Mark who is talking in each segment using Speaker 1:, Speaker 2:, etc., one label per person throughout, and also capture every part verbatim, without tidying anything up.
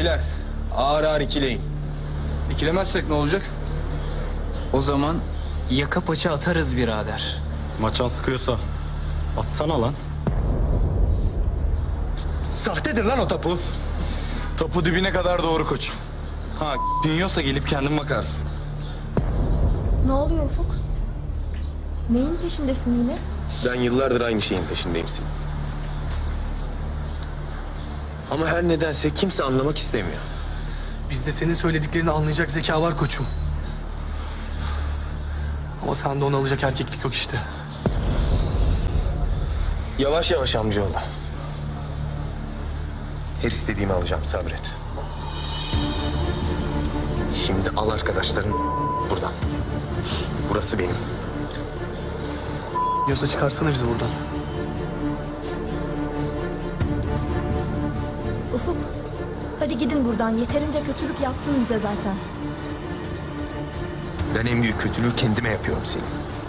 Speaker 1: Bizimkiler ağır ağır ikileyin.
Speaker 2: İkilemezsek ne olacak?
Speaker 3: O zaman yaka paça atarız birader.
Speaker 4: Maçan sıkıyorsa atsana lan.
Speaker 1: Sahtedir lan o tapu.
Speaker 4: Topu dibine kadar doğru koç. Ha dinliyorsa gelip kendin bakarsın.
Speaker 5: Ne oluyor Ufuk? Neyin peşindesin yine?
Speaker 1: Ben yıllardır aynı şeyin peşindeyim senin. Ama her nedense kimse anlamak istemiyor.
Speaker 2: Bizde senin söylediklerini anlayacak zeka var koçum. Ama sende onu alacak erkeklik yok işte.
Speaker 1: Yavaş yavaş amcaoğlu. Her istediğimi alacağım, sabret. Şimdi al arkadaşların buradan. Burası benim.
Speaker 2: Diyorsa çıkarsana bizi buradan.
Speaker 5: Ufuk, hadi gidin buradan. Yeterince kötülük yaptın bize zaten.
Speaker 1: Ben en büyük kötülüğü kendime yapıyorum senin.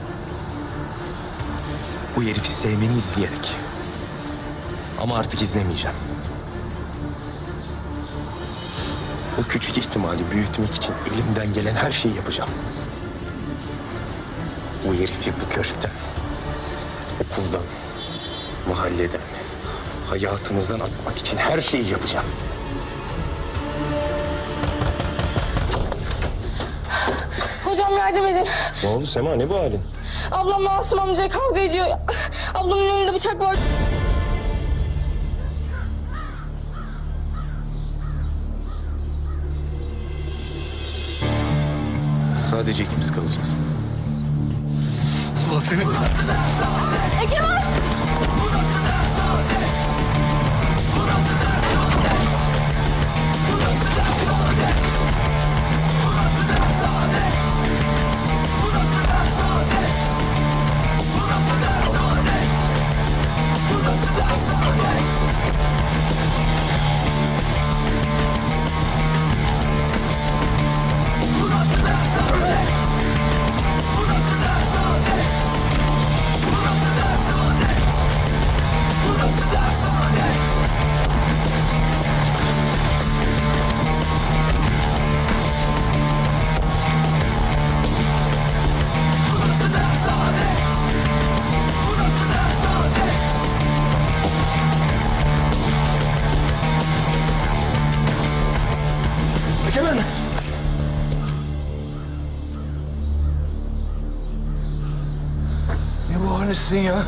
Speaker 1: Bu herifi sevmeni izleyerek. Ama artık izlemeyeceğim. O küçük ihtimali büyütmek için elimden gelen her şeyi yapacağım. Bu herifi bu köşkten, okuldan, mahalleden, hayatımızdan atmak için her şeyi yapacağım.
Speaker 6: Hocam yardım edin.
Speaker 1: Ne oldu Sema, ne bu halin?
Speaker 6: Ablamla Asım amca kavga ediyor. Ablamın elinde bıçak var.
Speaker 1: Sadece ikimiz kalacağız.
Speaker 2: Ulan senin...
Speaker 6: Egemen!
Speaker 1: Egemen! Ne bu halin ya?